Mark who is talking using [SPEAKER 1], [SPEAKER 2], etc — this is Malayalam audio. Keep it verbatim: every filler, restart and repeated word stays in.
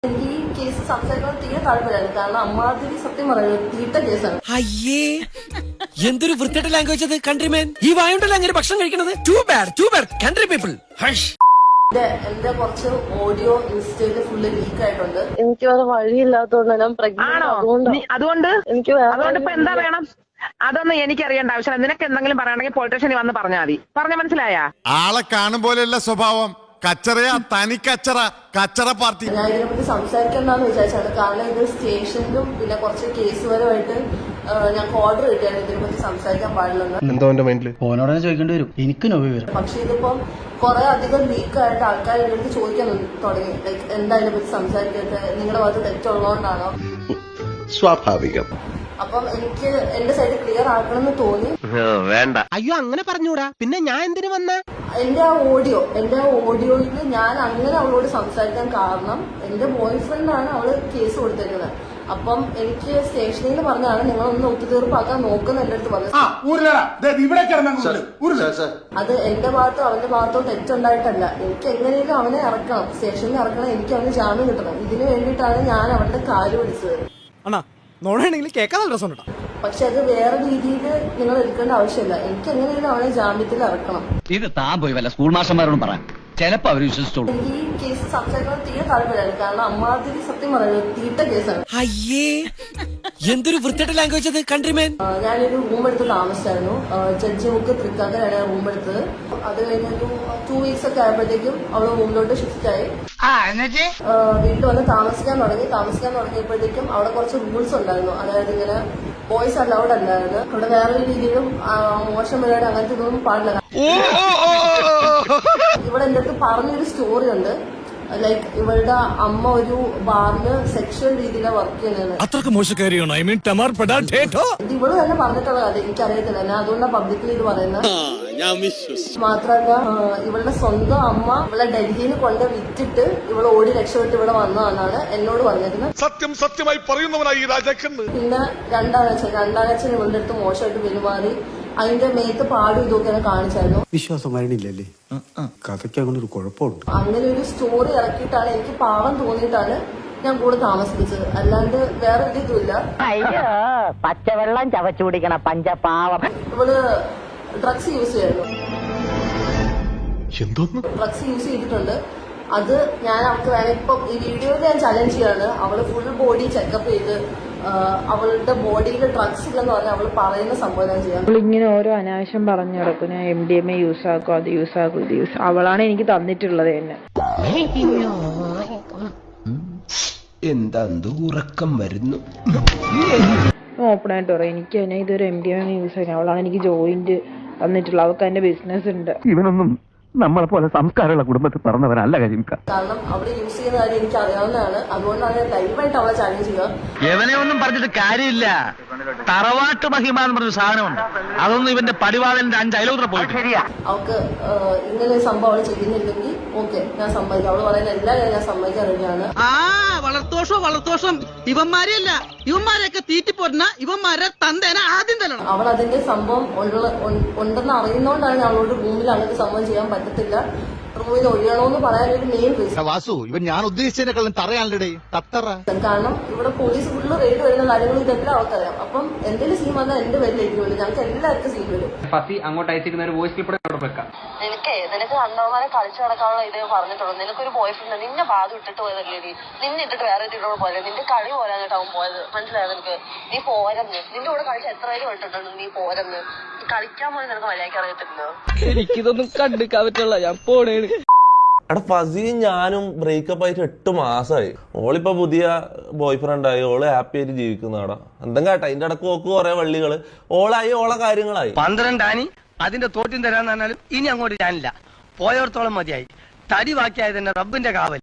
[SPEAKER 1] എനിക്ക് ഈ കേസ് സംസാരിക്കാൻ തീരെ താല്പര്യമാണ്. കാരണം അമ്മാതിരി സത്യം പറയുന്നത് തീട്ട കേസാണ്.
[SPEAKER 2] അയ്യേ എന്തൊരു വൃത്തിയുടെ ലാംഗ്വേജ് അത്. കൺട്രിമാൻ ഈ വായുണ്ടല്ലോ അങ്ങനെ ഭക്ഷണം കഴിക്കണത്. Too bad too bad country people.
[SPEAKER 1] എന്റെ കുറച്ച് ഓഡിയോ ഇൻസ്റ്റയില് ഫുള്ള് ലീക്ക് ആയിട്ടുണ്ട്.
[SPEAKER 3] എനിക്ക് വേറെ വഴിയില്ലാത്തതുകൊണ്ട് ഞാൻ പ്രഗ്നന്റ്.
[SPEAKER 4] അതുകൊണ്ട്
[SPEAKER 3] എനിക്ക്
[SPEAKER 4] അതുകൊണ്ട് ഇപ്പൊ എന്താ വേണം? അതൊന്നും എനിക്കറിയേണ്ട ആവശ്യമില്ല. നിനക്ക് എന്തെങ്കിലും പറയണമെങ്കിൽ പോലീസ് സ്റ്റേഷനിൽ വന്ന് പറഞ്ഞാൽ മതി. പറഞ്ഞ മനസ്സിലായ?
[SPEAKER 5] ആളെ കാണും പോലെയല്ല സ്വഭാവം. കച്ചറയാ, തനി കച്ചറ, കച്ചറ പാർട്ടി.
[SPEAKER 1] ഞാൻ ഇതിനെപ്പറ്റി സംസാരിക്കണ്ടെന്ന് വിചാരിച്ചാണ്. കാരണം ഇത് സ്റ്റേഷനിലും പിന്നെ കുറച്ച് കേസ് പരമായിട്ട് ഞങ്ങൾക്ക് ഓർഡർ കിട്ടിയാണ് ഇതിനെപ്പറ്റി സംസാരിക്കാൻ പാടില്ലെന്ന്.
[SPEAKER 6] എന്തോ എന്റെ മൈൻഡില് ഓനോടനെ ചോദിക്കേണ്ടി വരും. എനിക്ക് നോവി വരും.
[SPEAKER 1] പക്ഷെ ഇതിപ്പം കുറെ അധികം ലീക്കായിട്ട് ആൾക്കാർ എന്റെ അടുത്ത് ചോദിക്കാൻ തുടങ്ങി. ലൈക്ക് എന്താ ഇതിനെപ്പറ്റി സംസാരിക്കട്ടെ, നിങ്ങളുടെ ഭാഗത്ത് തെറ്റുള്ളതുകൊണ്ടാണോ?
[SPEAKER 6] സ്വാഭാവികം.
[SPEAKER 1] അപ്പം എനിക്ക് എന്റെ സൈഡ് ക്ലിയർ ആക്കണമെന്ന് തോന്നി.
[SPEAKER 2] വേണ്ട. അയ്യോ അങ്ങനെ പറഞ്ഞൂടാ. പിന്നെ ഞാൻ എന്തിനു വന്ന?
[SPEAKER 1] എന്റെ ആ ഓഡിയോ എന്റെ ആ ഓഡിയോയിൽ ഞാൻ അങ്ങനെ അവളോട് സംസാരിക്കാൻ കാരണം എന്റെ ബോയ് ഫ്രണ്ടാണ് അവള് കേസ് കൊടുത്തിരിക്കുന്നത്. അപ്പം എനിക്ക് സ്റ്റേഷനിൽ നിന്ന് പറഞ്ഞാണ് നിങ്ങളൊന്ന് ഒത്തുതീർപ്പാക്കാൻ നോക്കുന്ന എന്റെ അടുത്ത് പറഞ്ഞത്. അത് എന്റെ ഭാഗത്തോ അവന്റെ ഭാഗത്തോ തെറ്റുണ്ടായിട്ടല്ല. എനിക്ക് എങ്ങനെയും അവനെ ഇറക്കണം, സ്റ്റേഷനിൽ ഇറക്കണം, എനിക്ക് അവന് ജാമ്യം കിട്ടണം. ഇതിനു വേണ്ടിയിട്ടാണ് ഞാൻ അവന്റെ കാല് പിടിച്ചത്. പക്ഷെ അത് വേറെ രീതിയിൽ നിങ്ങൾ എടുക്കേണ്ട ആവശ്യമില്ല. എനിക്ക് എങ്ങനെയും അവനെ ജാമ്യത്തിൽ ഇറക്കണം.
[SPEAKER 7] ഇത് താൻ പോയി വല്ല സ്കൂൾ മാസ്റ്റർമാരോടും പറയാം. ചിലപ്പോ അവര് വിശ്വസിച്ചോളൂ.
[SPEAKER 1] എനിക്ക് ഈ കേസ് സംസാരിക്കാൻ തീരെ താല്പര്യമാണ്. കാരണം അമ്മാതിരി സത്യം പറയുന്നത് തീട്ട കേസാണ്.
[SPEAKER 2] അയ്യേ എന്തൊരു വൃത്തിയുടെ ലാംഗ്വേജ് അത്. കൺട്രിമാൻ
[SPEAKER 1] ഞാനൊരു റൂം എടുത്ത് താമസിച്ചായിരുന്നു. ജഡ്ജി മുക്ക് തൃക്കാക്കരാണ് റൂം എടുത്തത്. അത് കഴിഞ്ഞൊരു ടു വീക്സ് ഒക്കെ ആയപ്പോഴത്തേക്കും അവള് റൂമിലോട്ട് ഷിഫ്റ്റ് ആയി. വീട്ടിൽ വന്ന് താമസിക്കാൻ തുടങ്ങി. താമസിക്കാൻ തുടങ്ങിയപ്പോഴത്തേക്കും അവിടെ കുറച്ച് റൂൾസ് ഉണ്ടായിരുന്നു. അതായത് ഇങ്ങനെ ബോയ്സ് അലൗഡ് അല്ലായിരുന്നു. അവിടെ വേറൊരു രീതിയിലും മോശം പരിപാടി അങ്ങനത്തെ ഇതൊന്നും പാടില്ല. ഇവിടെ എന്റെ അടുത്ത് പറഞ്ഞൊരു സ്റ്റോറി ഉണ്ട്. ലൈക്ക് ഇവളുടെ അമ്മ ഒരു ബാറില് സെക്ഷൽ രീതിയിലാണ് വർക്ക് ചെയ്യുന്നത്.
[SPEAKER 2] അത്രക്ക് മോശക്കാരിയാണോ? I mean ടമാർ പെടാറ്റോ.
[SPEAKER 1] ഇത് ഇവള് തന്നെ പറഞ്ഞിട്ടുള്ള കഥ എനിക്കറിയത്തില്ല. ഞാൻ അതുകൊണ്ടാണ് പബ്ലിക്കലി ഇത് പറയുന്നത്. മാത്രല്ല ഇവളുടെ സ്വന്തം അമ്മ ഇവളെ ഡൽഹിയിൽ കൊണ്ട് വിറ്റിട്ട് ഇവള് ഓടി രക്ഷപ്പെട്ട് ഇവിടെ വന്നതെന്നാണ് എന്നോട് പറഞ്ഞിരുന്നത്.
[SPEAKER 5] സത്യം സത്യമായി പറയുന്നവനായി ഈ രാജാക്കന്ന്.
[SPEAKER 1] പിന്നെ രണ്ടാനച്ഛൻ രണ്ടാനച്ഛൻ ഇവളുടെ അടുത്ത് മോശമായിട്ട് പെരുമാറി അതിന്റെ മേത്ത് പാടും ഇതൊക്കെയാണ് കാണിച്ചായിരുന്നു.
[SPEAKER 6] വിശ്വാസം വരണില്ലല്ലേ? കഥയ്ക്ക് അങ്ങനെ ഒരു കുഴപ്പമുണ്ട്.
[SPEAKER 1] അങ്ങനെ ഒരു സ്റ്റോറി ഇറക്കിയിട്ടാണ് എനിക്ക് പാവം തോന്നിയിട്ടാണ് ഞാൻ കൂടെ താമസിപ്പിച്ചത്. അല്ലാണ്ട് വേറെ ഒരു ഇതുമില്ല.
[SPEAKER 4] പച്ചവെള്ളം ചവച്ചു കുടിക്കണ പഞ്ചപാവം.
[SPEAKER 1] ഇവള് ഡ്രഗ്സ് യൂസ് ചെയ്യായിരുന്നു.
[SPEAKER 6] എന്തോന്ന്
[SPEAKER 1] ഡ്രഗ്സ് യൂസ് ചെയ്തിട്ടുണ്ട്. അത് ഞാൻ അവൾക്ക് വേണം ഇപ്പം ഈ വീഡിയോയിൽ ഞാൻ ചലഞ്ച് ചെയ്യാണ്. അവള് ഫുൾ ബോഡി ചെക്കപ്പ് ചെയ്ത് അവളുടെ ബോഡിയിൽ ഡ്രഗ്സ് ഇല്ലെന്ന് പറഞ്ഞാൽ അവള് പറയുന്ന സംഭവം ചെയ്യാം.
[SPEAKER 3] ഇങ്ങനെ ഓരോ അനാവശ്യം പറഞ്ഞു കിടക്കും. ഞാൻ M D M A use ആക്കും, അത് യൂസ് ആക്കും, ഇത് യൂസ്. അവളാണ് എനിക്ക് തന്നിട്ടുള്ളത് തന്നെ.
[SPEAKER 2] എന്താ ഉറക്കം വരുന്നു.
[SPEAKER 3] ഓപ്പൺ ആയിട്ട് പറയാം, എനിക്ക് തന്നെ ഇതൊരു M D M A use ആക്കാൻ. അവളാണ് എനിക്ക് ജോയിന്റ് തന്നിട്ടുള്ളത്. അവൾക്ക് അതിന്റെ ബിസിനസ് ഉണ്ട്.
[SPEAKER 7] ഇവനൊന്നും നമ്മളെ പോലെ സംസ്കാരമുള്ള കുടുംബത്തിൽ പറഞ്ഞവരല്ല കരിമിക്ക.
[SPEAKER 1] കാരണം അവിടെ യൂസ് ചെയ്യുന്ന കാര്യം എനിക്ക് അറിയാവുന്നതാണ്. അതുകൊണ്ടാണ് ഞാൻ ലൈവായിട്ട് അവളെ ചാലഞ്ച് ചെയ്യുക.
[SPEAKER 7] ഇവനെ ഒന്നും പറഞ്ഞിട്ട് കാര്യമില്ല. തറവാട്ട് മഹിമ എന്ന് പറഞ്ഞ സാധനമുണ്ട്. അതൊന്നും ഇവന്റെ പടിവാളന്റെ അഞ്ച് അയലോത്ര പോയിട്ട്.
[SPEAKER 1] അവൾക്ക് ഇങ്ങനെ ഒരു സംഭവം അവൾ ചെയ്യുന്നില്ലെങ്കിൽ ഓക്കെ ഞാൻ സമ്മതിക്കാം. അവള് പറയുന്ന എല്ലാ കാര്യം ഞാൻ സമ്മതിക്കാൻ റെഡിയാണ്.
[SPEAKER 8] ആ വളർത്തോഷോ വളർത്തോഷം ഇവന്മാരെയല്ല, ഇവന്മാരെയൊക്കെ തീറ്റിപ്പോരുന്ന ഇവന്മാരെ തന്തേനെ ആദ്യം തരണം.
[SPEAKER 1] അവൾ അതിന്റെ സംഭവം ഉണ്ടെന്ന് അറിയുന്നോണ്ടാണ് അവളോട് റൂമിൽ അങ്ങനത്തെ സംഭവം ചെയ്യാൻ പറ്റത്തില്ല, റൂമിൽ ഒഴിയണോന്ന് പറയാൻ ഒരു മെയിൻ റീസൺ.
[SPEAKER 5] വാസു ഇവൻ ഞാൻ ഉദ്ദേശിച്ചതിനെക്കാളും തറയാണല്ലേ തത്തറ.
[SPEAKER 1] കാരണം ഇവിടെ പോലീസ് ഫുള്ള് റെയ്ഡ് വരുന്ന കാര്യങ്ങൾ ഇതെല്ലാം അവർക്കറിയാം. അപ്പം എന്തെങ്കിലും സീൻ വന്നാൽ എന്റെ പേരിലേക്ക് വരും. ഞങ്ങൾക്ക് എല്ലാവർക്കും സീൻ വരും.
[SPEAKER 7] അങ്ങോട്ട് അയച്ചിരുന്ന ഒരു വോയിസ് ക്ലിപ്പ് വെക്കാം.
[SPEAKER 1] നിനക്ക് നിനക്ക് അണ്ണന്മാരെ കളിച്ചു നടക്കാനുള്ള ഇതേ പറഞ്ഞിട്ടുള്ളൂ. നിനക്കൊരു ബോയ് ഫ്രണ്ട് നിന്നെ ബാധ ഇട്ടിട്ട് പോയതല്ലേ നീ. നിന്നെ ഇട്ടിട്ട് വേറെ ഇട്ടിട്ടോട് പോയത്. നിന്റെ കളി പോരാഞ്ഞിട്ട് അവൻ പോയത്. മനസ്സിലായത് നിനക്ക്? നീ പോരന്ന് നിന്റെ കൂടെ കളിച്ച എത്ര പേര് കണ്ടിട്ടുണ്ട്. നീ പോരന്ന് കളിക്കാൻ പോയി നിനക്ക് മര്യാദയ്ക്ക് അറിയത്തില്ലോ.
[SPEAKER 4] എനിക്കിതൊന്നും കണ്ടിക്കാൻ പറ്റുള്ള. ഞാൻ പോണേണ്.
[SPEAKER 9] എടാ ഫസിയും ഞാനും ബ്രേക്കപ്പ് ആയിട്ട് എട്ട് മാസമായി. ഓളിപ്പോ പുതിയ ബോയ് ഫ്രണ്ടായി. ഓള് ഹാപ്പി ആയിട്ട് ജീവിക്കുന്നതാടാ. എന്തെങ്കിലും കേട്ടാ അതിന്റെ ഇടക്ക് നോക്ക് കുറെ വള്ളികള്. ഓളായി ഓളെ കാര്യങ്ങളായി.
[SPEAKER 7] പന്ത്രണ്ടാനി അതിന്റെ തോറ്റും തരാന്ന് പറഞ്ഞാലും ഇനി അങ്ങോട്ട് ഞാനില്ല. പോയോർത്തോളം മതിയായി. തടി ബാക്കിയായത് തന്നെ റബ്ബിന്റെ കാവൽ.